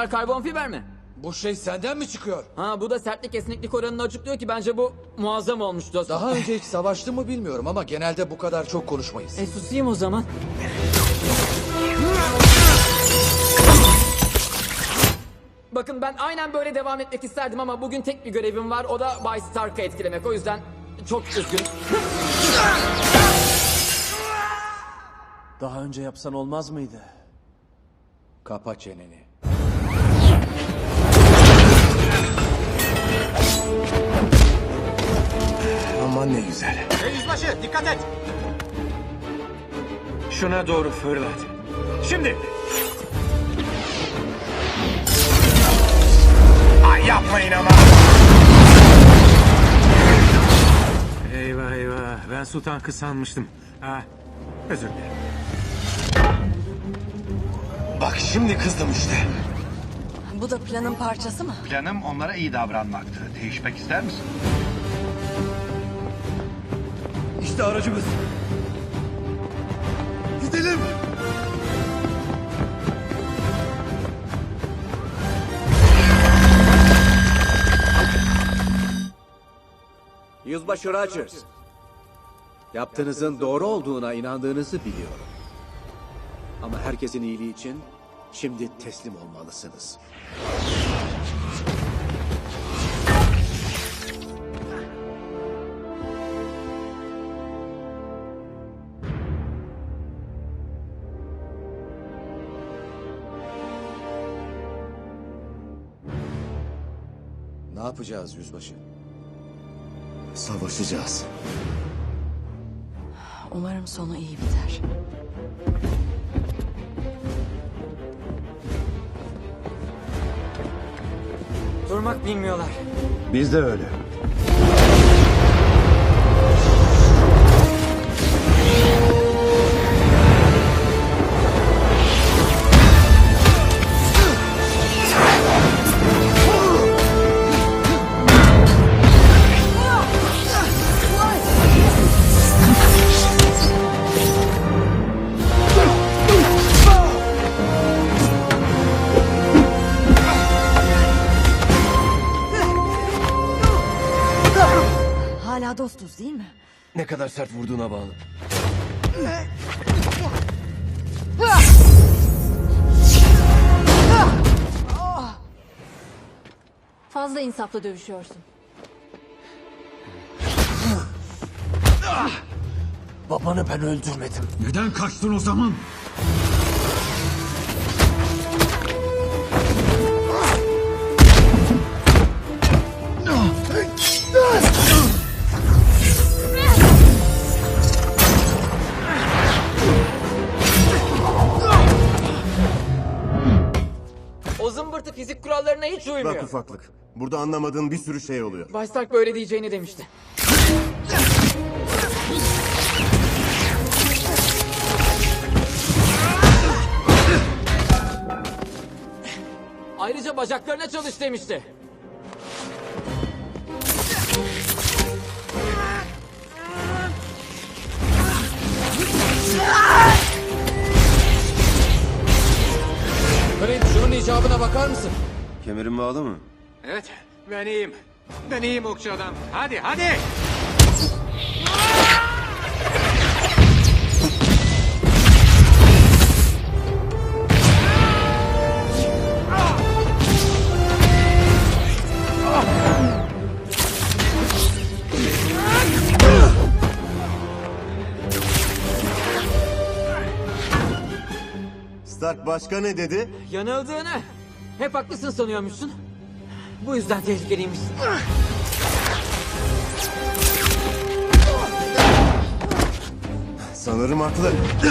Bunlar karbon fiber mi? Bu şey senden mi çıkıyor? Ha, bu da sertlik esneklik oranını açıklıyor ki bence bu muazzam olmuş dostum. Daha önce hiç savaştı mı bilmiyorum ama genelde bu kadar çok konuşmayız. Susayım o zaman. Bakın, ben aynen böyle devam etmek isterdim ama bugün tek bir görevim var. O da Bay Stark'ı etkilemek. O yüzden çok üzgünüm. Daha önce yapsan olmaz mıydı? Kapa çeneni. Aman ne güzel. Yüzbaşı dikkat et. Şuna doğru fırlat. Şimdi. Ay yapmayın ama. Eyvah eyvah. Ben su tankı sanmıştım. Özür dilerim. Bak şimdi kızdım işte. Bu da planın parçası mı? Planım onlara iyi davranmaktı. Değişmek ister misin? İşte aracımız. Gidelim. Yüzbaşı Rogers. Yaptığınızın doğru olduğuna inandığınızı biliyorum. Ama herkesin iyiliği için şimdi teslim olmalısınız. Ne yapacağız yüzbaşı? Savaşacağız. Umarım sonu iyi biter. Durmak bilmiyorlar. Biz de öyle. Hala dostuz değil mi? Ne kadar sert vurduğuna bağlı. Fazla insaflı dövüşüyorsun. Babanı ben öldürmedim. Neden kaçtın o zaman? O zımbırtı fizik kurallarına hiç uymuyor. Bak ufaklık. Burada anlamadığın bir sürü şey oluyor. Bay Stark böyle diyeceğini demişti. Ayrıca bacaklarına çalış demişti. Clint, şunun icabına bakar mısın? Kemerin bağlı mı? Evet ben iyiyim. Ben iyiyim okçu adam. Hadi hadi. Stark başka ne dedi? Yanıldığını. Hep haklısın sanıyormuşsun. Bu yüzden tehlikeliymişsin. Sanırım haklı.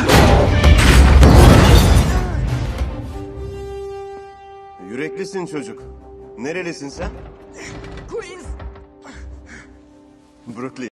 Yüreklisin çocuk. Nerelisin sen? Queens. Brooklyn.